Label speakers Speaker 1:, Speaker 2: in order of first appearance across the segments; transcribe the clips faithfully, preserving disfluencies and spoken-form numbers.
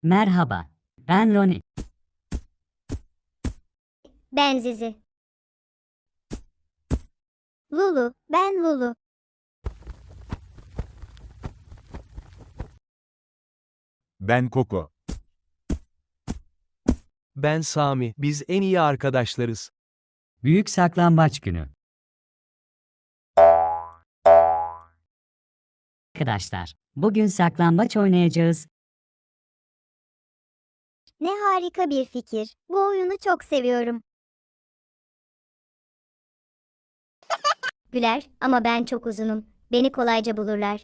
Speaker 1: Merhaba, ben Roni.
Speaker 2: Ben Zizi. Lulu, ben Lulu.
Speaker 3: Ben Koko.
Speaker 4: Ben Sami, biz en iyi arkadaşlarız.
Speaker 1: Büyük saklambaç günü. Arkadaşlar, bugün saklambaç oynayacağız.
Speaker 2: Ne harika bir fikir. Bu oyunu çok seviyorum. Güler ama ben çok uzunum. Beni kolayca bulurlar.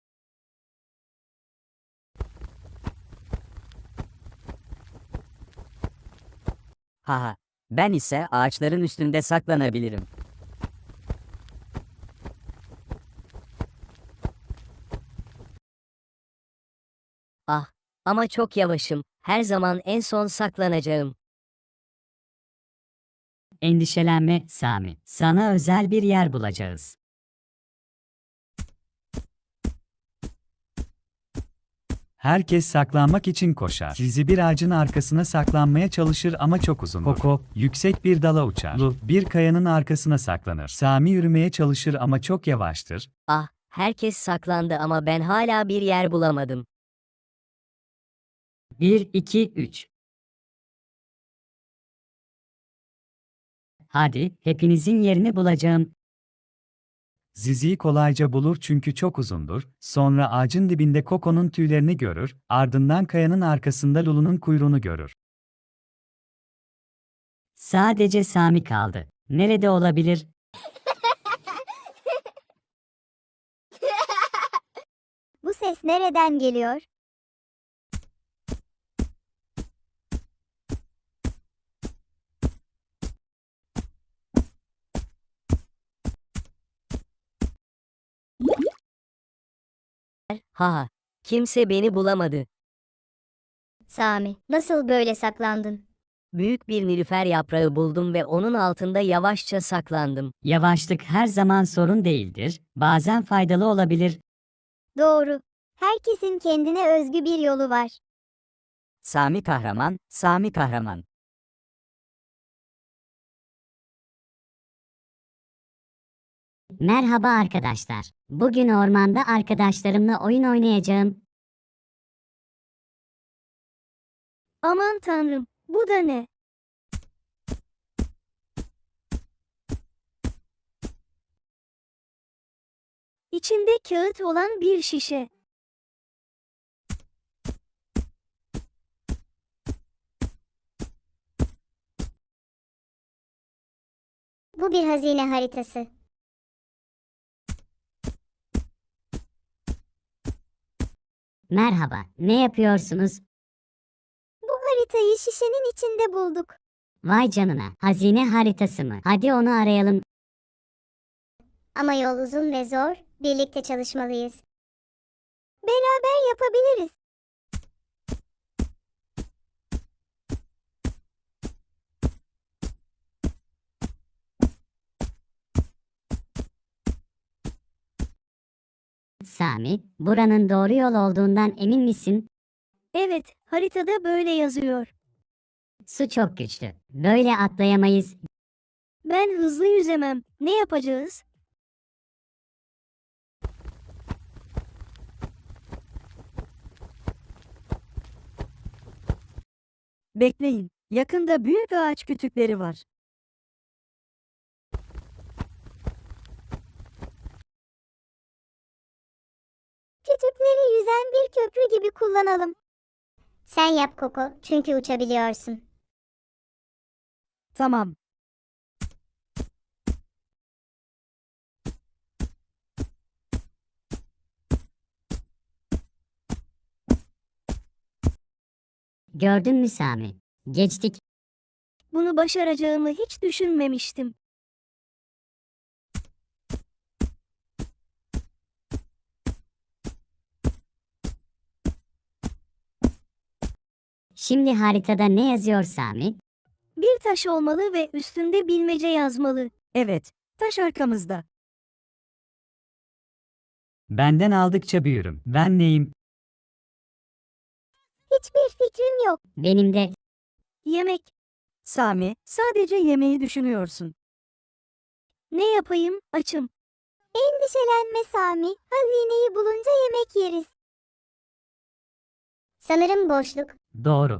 Speaker 1: Haha, ben ise ağaçların üstünde saklanabilirim.
Speaker 5: Ah, ama çok yavaşım. Her zaman en son saklanacağım.
Speaker 1: Endişelenme Sami, sana özel bir yer bulacağız.
Speaker 6: Herkes saklanmak için koşar. Zizi bir ağacın arkasına saklanmaya çalışır ama çok uzundur. Koko, yüksek bir dala uçar. Lu, bir kayanın arkasına saklanır. Sami yürümeye çalışır ama çok yavaştır.
Speaker 5: Ah, herkes saklandı ama ben hala bir yer bulamadım.
Speaker 1: bir, iki, üç. Hadi, hepinizin yerini bulacağım.
Speaker 6: Zizi'yi kolayca bulur çünkü çok uzundur. Sonra ağacın dibinde Koko'nun tüylerini görür, ardından kayanın arkasında Lulu'nun kuyruğunu görür.
Speaker 1: Sadece Sami kaldı. Nerede olabilir?
Speaker 2: Bu ses nereden geliyor?
Speaker 5: Ha, kimse beni bulamadı.
Speaker 2: Sami, nasıl böyle saklandın?
Speaker 5: Büyük bir nilüfer yaprağı buldum ve onun altında yavaşça saklandım.
Speaker 1: Yavaşlık her zaman sorun değildir, bazen faydalı olabilir.
Speaker 2: Doğru. Herkesin kendine özgü bir yolu var.
Speaker 1: Sami kahraman, Sami kahraman.
Speaker 7: Merhaba arkadaşlar. Bugün ormanda arkadaşlarımla oyun oynayacağım.
Speaker 2: Aman tanrım, bu da ne? İçinde kağıt olan bir şişe. Bu bir hazine haritası.
Speaker 7: Merhaba, ne yapıyorsunuz?
Speaker 2: Bu haritayı şişenin içinde bulduk.
Speaker 7: Vay canına, hazine haritası mı? Hadi onu arayalım.
Speaker 2: Ama yol uzun ve zor, birlikte çalışmalıyız. Beraber yapabiliriz.
Speaker 7: Sami, buranın doğru yol olduğundan emin misin?
Speaker 2: Evet, haritada böyle yazıyor.
Speaker 7: Su çok güçlü. Böyle atlayamayız.
Speaker 2: Ben hızlı yüzemem. Ne yapacağız?
Speaker 8: Bekleyin, yakında büyük ağaç kütükleri var.
Speaker 2: Kütükleri yüzen bir köprü gibi kullanalım. Sen yap Koko, çünkü uçabiliyorsun.
Speaker 8: Tamam.
Speaker 7: Gördün mü Sami? Geçtik.
Speaker 2: Bunu başaracağımı hiç düşünmemiştim.
Speaker 7: Şimdi haritada ne yazıyor Sami?
Speaker 2: Bir taş olmalı ve üstünde bilmece yazmalı.
Speaker 8: Evet, taş arkamızda.
Speaker 1: Benden aldıkça büyürüm. Ben neyim?
Speaker 2: Hiçbir fikrim yok.
Speaker 7: Benim de.
Speaker 8: Yemek. Sami, sadece yemeği düşünüyorsun. Ne yapayım? Açım.
Speaker 2: Endişelenme Sami. Hazineyi bulunca yemek yeriz. Sanırım boşluk.
Speaker 1: Doğru.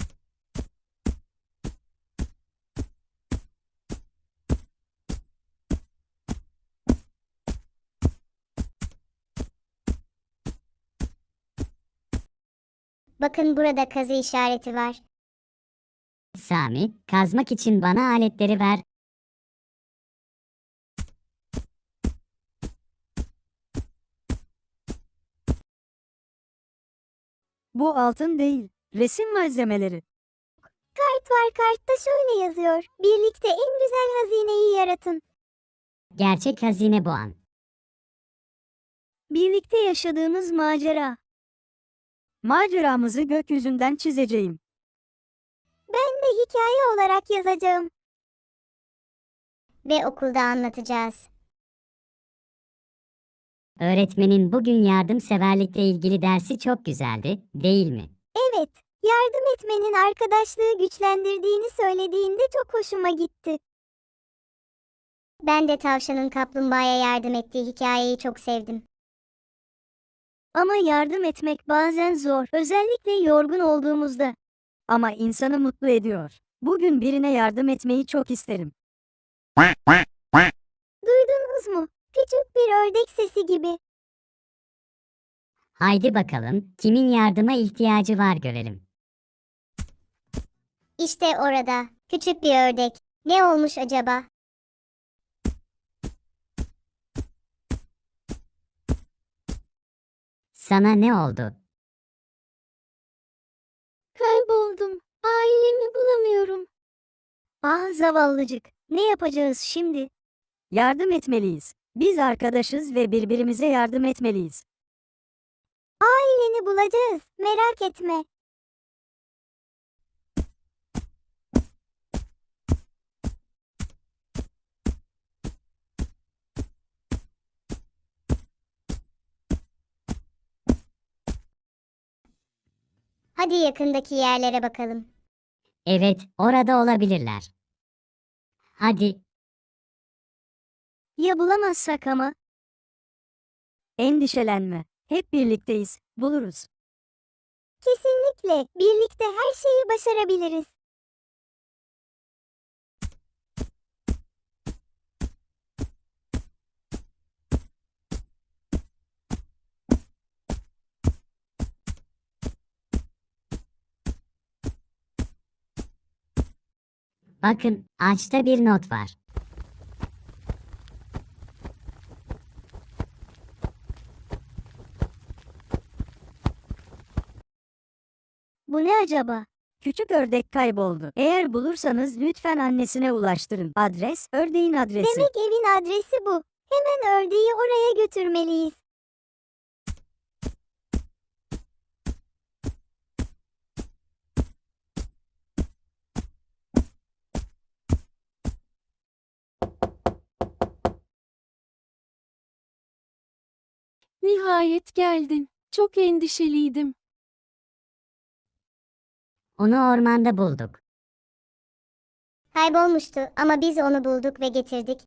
Speaker 2: Bakın burada kazı işareti var.
Speaker 7: Sami, kazmak için bana aletleri ver.
Speaker 8: Bu altın değil, resim malzemeleri.
Speaker 2: Kart var, kartta şöyle yazıyor. Birlikte en güzel hazineyi yaratın.
Speaker 7: Gerçek hazine bu an.
Speaker 8: Birlikte yaşadığımız macera. Maceramızı gökyüzünden çizeceğim.
Speaker 2: Ben de hikaye olarak yazacağım. Ve okulda anlatacağız.
Speaker 7: Öğretmenin bugün yardımseverlikle ilgili dersi çok güzeldi, değil mi?
Speaker 2: Evet, yardım etmenin arkadaşlığı güçlendirdiğini söylediğinde çok hoşuma gitti. Ben de tavşanın kaplumbağaya yardım ettiği hikayeyi çok sevdim.
Speaker 8: Ama yardım etmek bazen zor, özellikle yorgun olduğumuzda. Ama insanı mutlu ediyor. Bugün birine yardım etmeyi çok isterim.
Speaker 2: Duydunuz mu? Küçük bir ördek sesi gibi.
Speaker 7: Haydi bakalım, kimin yardıma ihtiyacı var görelim.
Speaker 2: İşte orada, küçük bir ördek. Ne olmuş acaba?
Speaker 7: Sana ne oldu?
Speaker 2: Kayboldum. Ailemi bulamıyorum.
Speaker 8: Ah zavallıcık, ne yapacağız şimdi? Yardım etmeliyiz. Biz arkadaşız ve birbirimize yardım etmeliyiz.
Speaker 2: Aileni bulacağız. Merak etme. Hadi yakındaki yerlere bakalım.
Speaker 7: Evet, orada olabilirler. Hadi,
Speaker 8: Ya bulamazsak ama? Endişelenme. Hep birlikteyiz. Buluruz.
Speaker 2: Kesinlikle. Birlikte her şeyi başarabiliriz.
Speaker 7: bakın, ağaçta bir not var.
Speaker 8: Bu ne acaba? Küçük ördek kayboldu. Eğer bulursanız lütfen annesine ulaştırın. Adres, ördeğin adresi.
Speaker 2: Demek evin adresi bu. Hemen ördeği oraya götürmeliyiz.
Speaker 9: Nihayet geldin. Çok endişeliydim.
Speaker 7: Onu ormanda bulduk.
Speaker 2: Kaybolmuştu ama biz onu bulduk ve getirdik.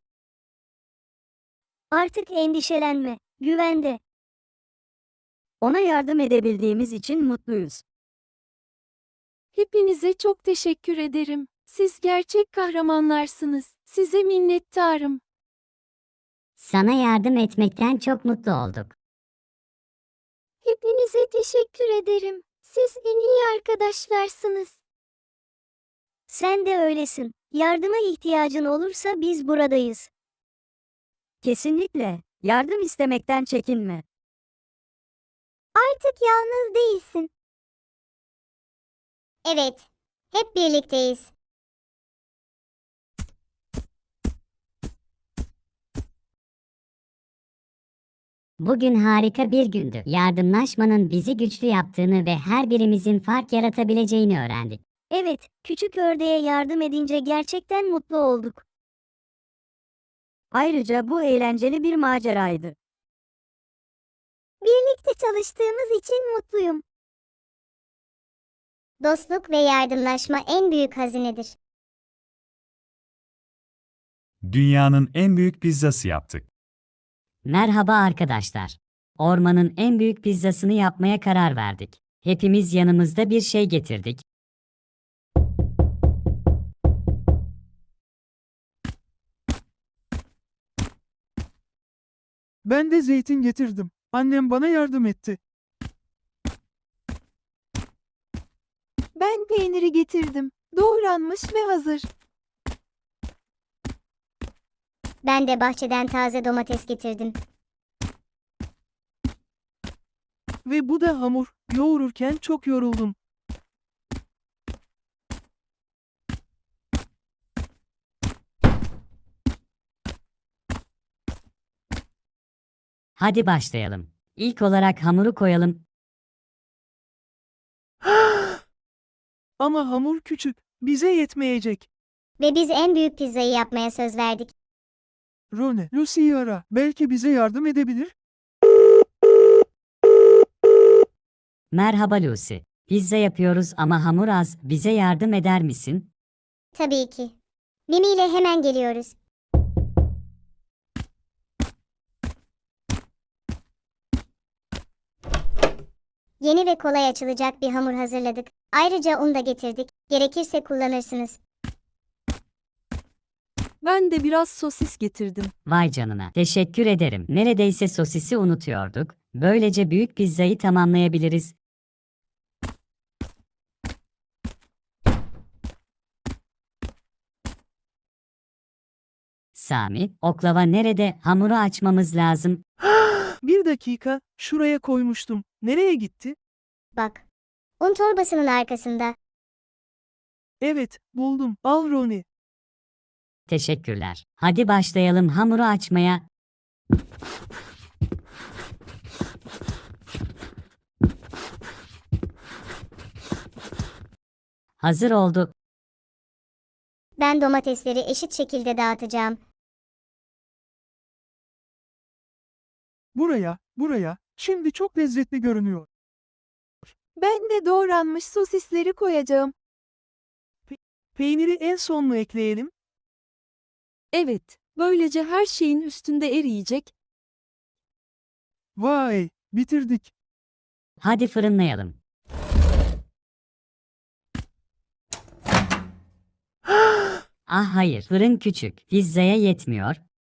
Speaker 8: Artık endişelenme. Güvende. Ona yardım edebildiğimiz için mutluyuz.
Speaker 9: Hepinize çok teşekkür ederim. Siz gerçek kahramanlarsınız. Size minnettarım.
Speaker 7: Sana yardım etmekten çok mutlu olduk.
Speaker 2: Hepinize teşekkür ederim. Siz en iyi arkadaşlarsınız.
Speaker 8: Sen de öylesin. Yardıma ihtiyacın olursa biz buradayız. Kesinlikle. Yardım istemekten çekinme.
Speaker 2: Artık yalnız değilsin. Evet, hep birlikteyiz.
Speaker 7: Bugün harika bir gündü. Yardımlaşmanın bizi güçlü yaptığını ve her birimizin fark yaratabileceğini öğrendik.
Speaker 8: Evet, küçük ördeğe yardım edince gerçekten mutlu olduk. Ayrıca bu eğlenceli bir maceraydı.
Speaker 2: Birlikte çalıştığımız için mutluyum. Dostluk ve yardımlaşma en büyük hazinedir.
Speaker 6: Dünyanın en büyük pizzası yaptık.
Speaker 1: Merhaba arkadaşlar. Ormanın en büyük pizzasını yapmaya karar verdik. Hepimiz yanımızda bir şey getirdik.
Speaker 10: Ben de zeytin getirdim. Annem bana yardım etti.
Speaker 9: Ben peyniri getirdim. Doğranmış ve hazır.
Speaker 2: Ben de bahçeden taze domates getirdim.
Speaker 10: Ve bu da hamur. Yoğururken çok yoruldum.
Speaker 1: Hadi başlayalım. İlk olarak hamuru koyalım.
Speaker 10: Ama hamur küçük. Bize yetmeyecek.
Speaker 2: Ve biz en büyük pizzayı yapmaya söz verdik.
Speaker 10: Rone, Lucy'yi ara. Belki bize yardım edebilir.
Speaker 1: Merhaba Lucy. Pizza yapıyoruz ama hamur az. Bize yardım eder misin?
Speaker 2: Tabii ki. Mimi ile hemen geliyoruz. Yeni ve kolay açılacak bir hamur hazırladık. Ayrıca un da getirdik. Gerekirse kullanırsınız.
Speaker 9: Ben de biraz sosis getirdim.
Speaker 1: Vay canına. Teşekkür ederim. Neredeyse sosisi unutuyorduk. Böylece büyük pizzayı tamamlayabiliriz. Sami, oklava nerede? Hamuru açmamız lazım.
Speaker 10: Bir dakika. Şuraya koymuştum. Nereye gitti?
Speaker 2: Bak. Un torbasının arkasında.
Speaker 10: Evet, buldum. Al Rone.
Speaker 1: Teşekkürler. Hadi başlayalım hamuru açmaya. Hazır oldu.
Speaker 2: Ben domatesleri eşit şekilde dağıtacağım.
Speaker 10: Buraya, buraya. Şimdi çok lezzetli görünüyor.
Speaker 9: Ben de doğranmış sosisleri koyacağım.
Speaker 10: Peyniri en son mu ekleyelim?
Speaker 9: Evet, böylece her şeyin üstünde eriyecek.
Speaker 10: Vay, bitirdik.
Speaker 1: Hadi fırınlayalım. Ah hayır, fırın küçük. Pizzaya yetmiyor.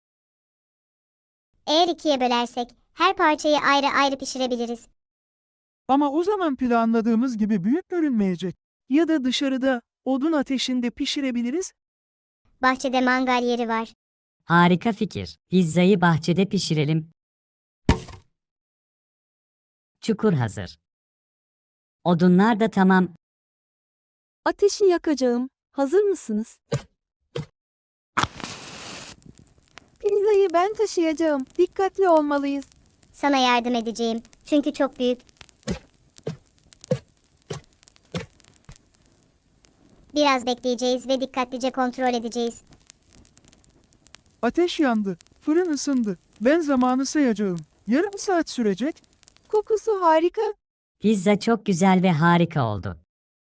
Speaker 2: Eğer ikiye bölersek her parçayı ayrı ayrı pişirebiliriz.
Speaker 10: Ama o zaman planladığımız gibi büyük görünmeyecek. Ya da dışarıda, odun ateşinde pişirebiliriz.
Speaker 2: Bahçede mangal yeri var.
Speaker 1: Harika fikir. Pizzayı bahçede pişirelim. Çukur hazır. Odunlar da tamam.
Speaker 9: Ateşi yakacağım. Hazır mısınız? Pizzayı ben taşıyacağım. Dikkatli olmalıyız.
Speaker 2: Sana yardım edeceğim. Çünkü çok büyük. Biraz bekleyeceğiz ve dikkatlice kontrol edeceğiz.
Speaker 10: Ateş yandı. Fırın ısındı. Ben zamanı sayacağım. Yarım saat sürecek.
Speaker 9: Kokusu harika.
Speaker 1: Pizza çok güzel ve harika oldu.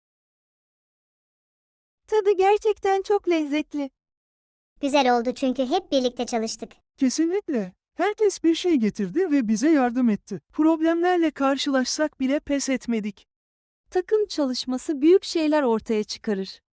Speaker 9: Tadı gerçekten çok lezzetli.
Speaker 2: Güzel oldu çünkü hep birlikte çalıştık.
Speaker 10: Kesinlikle. Herkes bir şey getirdi ve bize yardım etti. Problemlerle karşılaşsak bile pes etmedik.
Speaker 9: Takım çalışması büyük şeyler ortaya çıkarır.